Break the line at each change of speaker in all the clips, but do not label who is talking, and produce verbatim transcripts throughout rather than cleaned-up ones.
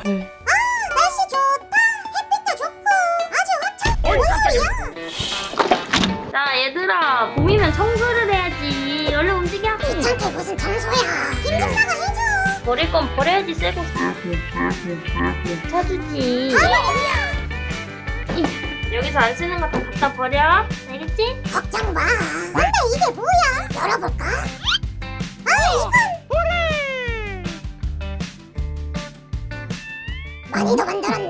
네.
아 날씨 좋다. 햇빛도 좋고 아주 화창. 뭔 소리야?
자 얘들아, 봄이면 청소를 해야지. 얼른 움직여.
귀찮게 무슨 청소야. 김집사가 해줘.
버릴 건 버려야지. 새거 사주지. 이, 여기서 안 쓰는 거 다 갖다 버려. 알겠지?
걱정 마. 근데 이게 뭐야? 열어볼까? 아 이건 많이도 만들었네.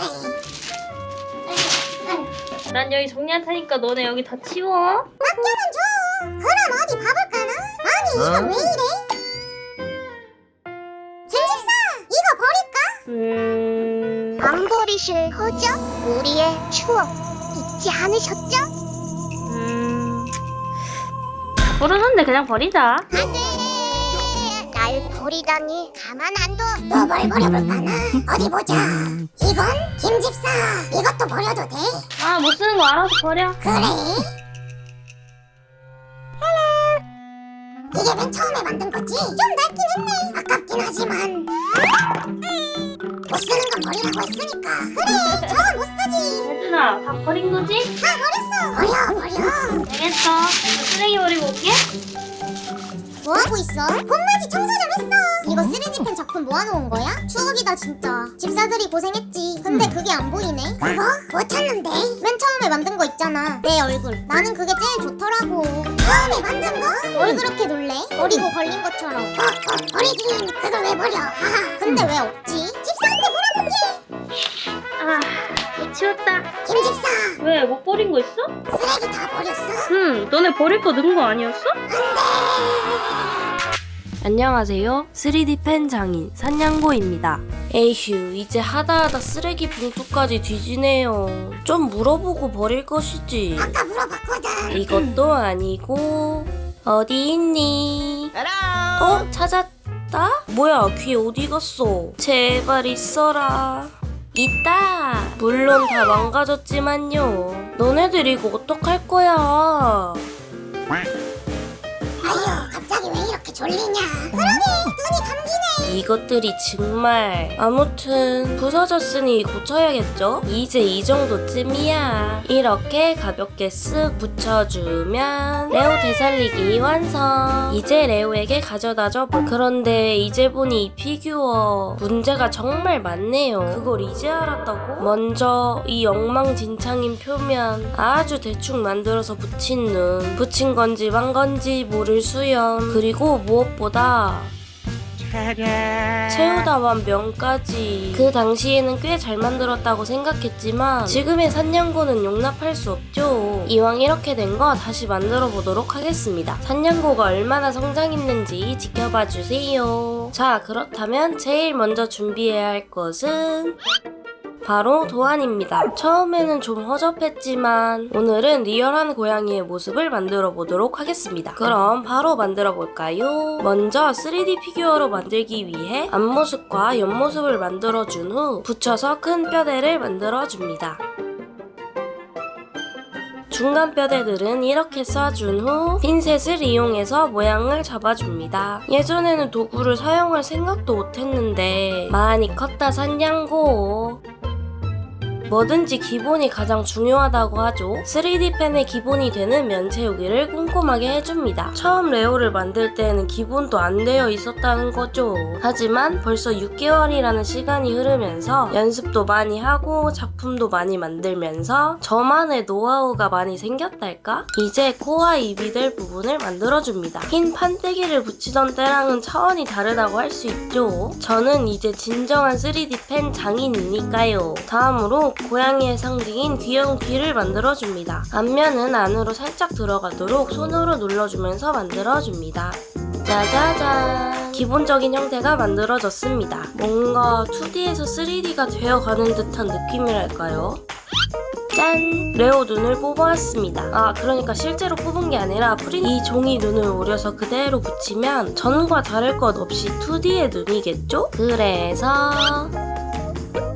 난 여기 정리할 테니까 너네 여기 다 치워.
맡겨는 줘. 그럼 어디 봐볼까나? 아니 이건 왜 이래? 김집사 이거 버릴까?
음...
안 버리실 거죠? 우리의 추억 잊지 않으셨죠?
음... 부르는데 그냥 버리자.
안돼. 날 버리다니 가만 안 둬. 또 뭘 버려볼까나? 어디 보자. 이건 김집사 이것도 버려도 돼?
아, 못 쓰는 거 알아서 버려.
그래? 이게 맨 처음에 만든 거지? 좀 낡긴 했네. 아깝긴 하지만 못 쓰는 건 버리라고 했으니까. 그래 저건 못 쓰지.
얘들아, 다 버린 거지?
다 버렸어. 버려 버려.
알겠어. 쓰레기 버리고 올게.
뭐하고 있어? 봄맞이 청소 좀 했어. 이거 쓰리디펜 작품 모아놓은 거야? 추억이다 진짜. 집사들이 고생했지. 근데 그게 안 보이네. 그거? 못 찾는데? 맨 처음에 만든 거 있잖아. 내 얼굴. 나는 그게 제일 좋더라고. 처음에 만든 거? 뭘 그렇게 놀래? 버리고 걸린 것처럼. 어, 어, 버리긴. 그걸 왜 버려? 하하. 근데 왜 없지? 집사한테 물어볼게.
아, 못 치웠다.
김집사.
왜, 못 버린 거 있어?
쓰레기 다 버렸어?
응, 너네 버릴 거 넣은 거 아니었어? 안녕하세요. 쓰리디 펜 장인 산냥고입니다. 에휴, 이제 하다하다 쓰레기 봉투까지 뒤지네요. 좀 물어보고 버릴 것이지.
아까 물어봤거든.
이것도 아니고. 어디 있니? 어? 찾았다? 뭐야, 귀 어디 갔어? 제발 있어라. 있다. 물론 다 망가졌지만요. 너네들 이거 어떡할 거야?
아유 갑자기 왜 이렇게 졸리냐. 그러게 눈이 감기네.
이것들이 정말. 아무튼 부서졌으니 고쳐야겠죠? 이제 이 정도쯤이야. 이렇게 가볍게 쓱 붙여주면 레오 되살리기 완성. 이제 레오에게 가져다줘. 그런데 이제 보니 이 피규어 문제가 정말 많네요. 그걸 이제 알았다고? 먼저 이 엉망진창인 표면 아주 대충 만들어서 붙인 눈, 붙인 건지 만 건지 모를 수염, 그리고 무엇보다 채우다만 면까지. 그 당시에는 꽤 잘 만들었다고 생각했지만 지금의 산냥고는 용납할 수 없죠. 이왕 이렇게 된 거 다시 만들어 보도록 하겠습니다. 산냥고가 얼마나 성장했는지 지켜봐 주세요. 자, 그렇다면 제일 먼저 준비해야 할 것은 바로 도안입니다. 처음에는 좀 허접했지만 오늘은 리얼한 고양이의 모습을 만들어 보도록 하겠습니다. 그럼 바로 만들어 볼까요? 먼저 쓰리디 피규어로 만들기 위해 앞모습과 옆모습을 만들어 준 후 붙여서 큰 뼈대를 만들어 줍니다. 중간 뼈대들은 이렇게 쏴준 후 핀셋을 이용해서 모양을 잡아줍니다. 예전에는 도구를 사용할 생각도 못했는데 많이 컸다 산냥고. 뭐든지 기본이 가장 중요하다고 하죠. 쓰리디 펜의 기본이 되는 면 채우기를 꼼꼼하게 해줍니다. 처음 레오를 만들 때에는 기본도 안 되어 있었다는 거죠. 하지만 벌써 육 개월이라는 시간이 흐르면서 연습도 많이 하고 작품도 많이 만들면서 저만의 노하우가 많이 생겼달까? 이제 코와 입이 될 부분을 만들어줍니다. 흰 판때기를 붙이던 때랑은 차원이 다르다고 할 수 있죠. 저는 이제 진정한 쓰리디 펜 장인이니까요. 다음으로 고양이의 상징인 귀여운 귀를 만들어줍니다. 앞면은 안으로 살짝 들어가도록 손으로 눌러주면서 만들어줍니다. 짜자잔! 기본적인 형태가 만들어졌습니다. 뭔가 투디에서 쓰리디가 되어가는 듯한 느낌이랄까요? 짠! 레오 눈을 뽑아왔습니다. 아, 그러니까 실제로 뽑은 게 아니라 프린 이 종이 눈을 오려서 그대로 붙이면 전과 다를 것 없이 투디의 눈이겠죠? 그래서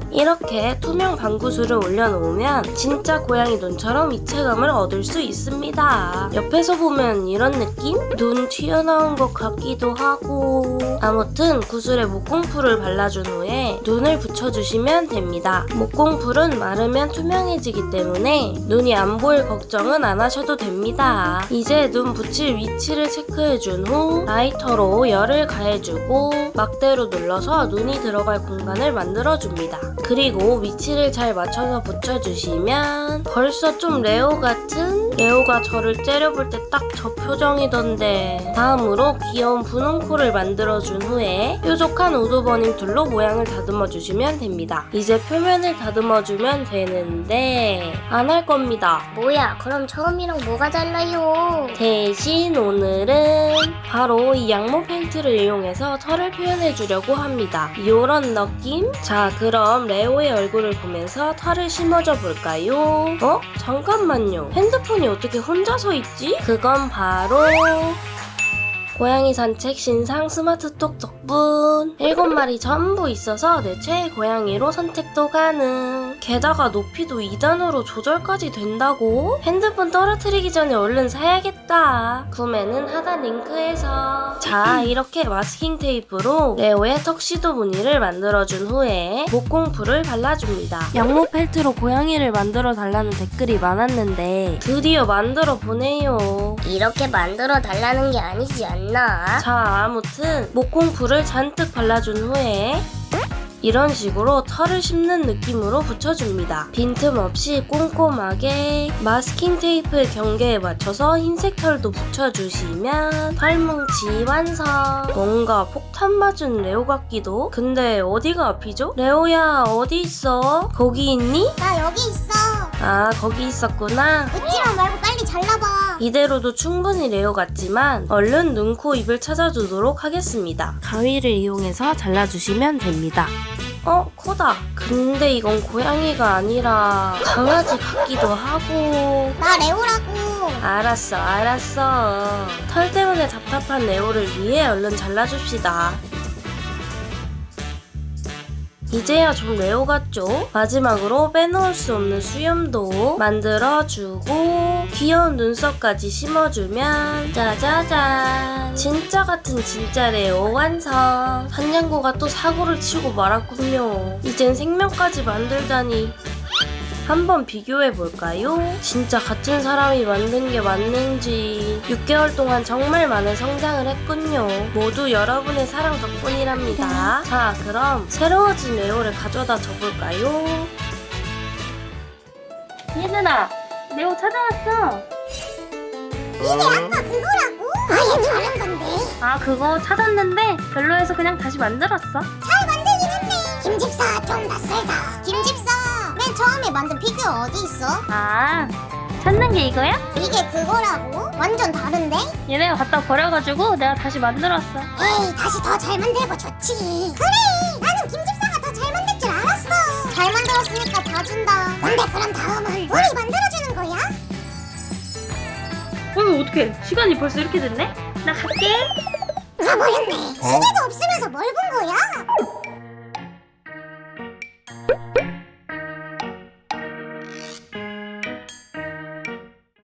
이렇게 투명 방구술을 올려놓으면 진짜 고양이 눈처럼 입체감을 얻을 수 있습니다. 옆에서 보면 이런 느낌? 눈 튀어나온 것 같기도 하고. 아무튼 구슬에 목공풀을 발라준 후에 눈을 붙여주시면 됩니다. 목공풀은 마르면 투명해지기 때문에 눈이 안 보일 걱정은 안 하셔도 됩니다. 이제 눈 붙일 위치를 체크해준 후 라이터로 열을 가해주고 막대로 눌러서 눈이 들어갈 공간을 만들어줍니다. 그리고 위치를 잘 맞춰서 붙여주시면 벌써 좀 레오 같은? 레오가 저를 째려볼 때 딱 저 표정이던데. 다음으로 귀여운 분홍 코를 만들어준 후에 뾰족한 우드버닝 툴로 모양을 다듬어주시면 됩니다. 이제 표면을 다듬어주면 되는데 안 할 겁니다.
뭐야, 그럼 처음이랑 뭐가 달라요?
대신 오늘은 바로 이 양모 페인트를 이용해서 털을 표현해주려고 합니다. 요런 느낌? 자, 그럼 레오의 얼굴을 보면서 털을 심어줘 볼까요? 어? 잠깐만요. 핸드폰이 어떻게 혼자서 있지? 그건 바로 고양이 산책 신상 스마트톡 덕분. 일곱 마리 전부 있어서 내 최애 고양이로 선택도 가능. 게다가 높이도 이 단으로 조절까지 된다고? 핸드폰 떨어뜨리기 전에 얼른 사야겠다. 구매는 하단 링크에서. 자, 이렇게 마스킹 테이프로 레오의 턱시도 무늬를 만들어준 후에 목공풀을 발라줍니다. 양모 펠트로 고양이를 만들어 달라는 댓글이 많았는데 드디어 만들어 보네요.
이렇게 만들어 달라는 게 아니지 않나?
자, 아무튼 목공풀을 잔뜩 발라준 후에 이런 식으로 털을 심는 느낌으로 붙여줍니다. 빈틈없이 꼼꼼하게 마스킹 테이프의 경계에 맞춰서 흰색 털도 붙여주시면 털뭉치 완성. 뭔가 폭탄 맞은 레오 같기도. 근데 어디가 앞이죠? 레오야, 어디 있어? 거기 있니?
나 여기 있어.
아, 거기 있었구나.
웃지마 말고 빨리 잘라봐.
이대로도 충분히 레오 같지만 얼른 눈, 코, 입을 찾아주도록 하겠습니다. 가위를 이용해서 잘라주시면 됩니다. 어? 코다. 근데 이건 고양이가 아니라 강아지 같기도 하고.
나 레오라고.
알았어, 알았어. 털 때문에 답답한 레오를 위해 얼른 잘라줍시다. 이제야 좀 레오 같죠? 마지막으로 빼놓을 수 없는 수염도 만들어주고 귀여운 눈썹까지 심어주면 짜자잔, 진짜 같은 진짜 레오 완성. 산냥고가 또 사고를 치고 말았군요. 이젠 생명까지 만들다니. 한번 비교해볼까요? 진짜 같은 사람이 만든 게 맞는지. 육 개월 동안 정말 많은 성장을 했군요. 모두 여러분의 사랑 덕분이랍니다. 자, 그럼 새로워진 레오를 가져다 줘볼까요? 얘들아, 레오 찾아왔어.
이게 아까 그거라고? 아예 다른 건데.
아, 그거 찾았는데 별로해서 그냥 다시 만들었어.
잘 만들긴 했네. 김집사 좀 낯설다. 김집사, 맨 처음에 만든 피규어 어디 있어?
아, 찾는 게 이거야?
이게 그거라고? 완전 다른데?
얘네가 갖다 버려가지고 내가 다시 만들었어.
에이, 다시 더 잘 만들고 좋지. 그래, 나는 김집사가 더 잘 만들 줄 알았어. 잘 만들었으니까 다 준다. 근데 그럼 다음은 우리 만들어주는 거야?
어, 어떡해. 시간이 벌써 이렇게 됐네? 나 갈게.
가버렸네. 시계도 없으면서 뭘 본 거야?